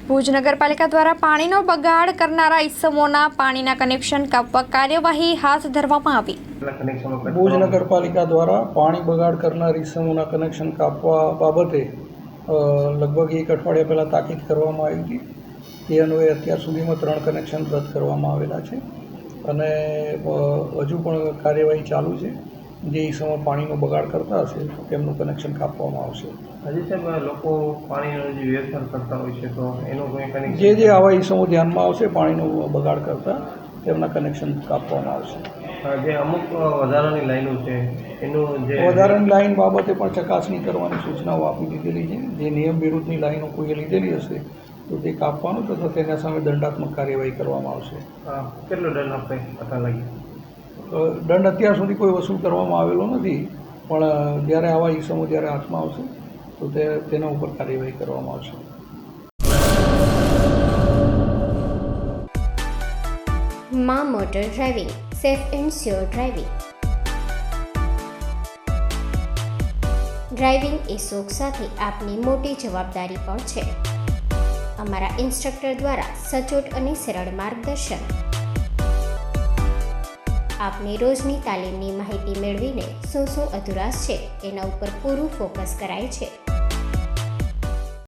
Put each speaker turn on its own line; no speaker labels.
ભુજ નગરપાલિકા દ્વારા પાણીનો બગાડ કરનારા ઇસમોના પાણીના કનેક્શન કાપવા કાર્યવાહી હાથ ધરવામાં આવી।
ભુજ નગરપાલિકા દ્વારા પાણી બગાડ કરનાર ઇસમોના કનેક્શન કાપવા બાબતે લગભગ એક અઠવાડિયા પહેલાં તાકીદ કરવામાં આવી હતી। તે અન્વયે અત્યાર સુધીમાં 3 કનેક્શન રદ કરવામાં આવેલા છે અને હજુ પણ કાર્યવાહી ચાલુ છે। જે ઇસમો પાણીનો બગાડ કરતા હશે તેમનું કનેક્શન કાપવામાં આવશે।
હજી સાહેબ લોકો પાણીનો જે વ્યવહાર કરતા હોય છે તો એનું કોઈ કનેક્શન
જે આવા ઇસમો ધ્યાનમાં આવશે પાણીનો બગાડ કરતા તેમના કનેક્શન કાપવામાં આવશે।
જે અમુક વધારાની લાઈનો છે એનું જે
વધારાની લાઈન બાબતે પણ ચકાસણી કરવાની સૂચનાઓ આપી દીધેલી છે। જે નિયમ વિરુદ્ધની લાઈનો કોઈએ લીધેલી હશે તો તે કાપવાનું તથા તેના સામે દંડાત્મક કાર્યવાહી કરવામાં આવશે।
કેટલો દંડ આપણે પતા લાગી?
દંડ અત્યાર સુધી કોઈ વસૂલ કરવામાં આવેલો નથી, પણ જ્યારે આવા ઇસમો જ્યારે હાથમાં આવશે તો તેના ઉપર કાર્યવાહી કરવામાં આવશે।
માં motor driving, safe and sure driving. Driving એ શોખ સાથે આપની મોટી જવાબદારી પણ છે। અમારા ઇન્સ્ટ્રક્ટર દ્વારા સચોટ અને સરળ માર્ગદર્શન આપની રોજની તાલીમની માહિતી મેળવીને શું અધુરાશ છે એના ઉપર પૂરું ફોકસ કરાય છે।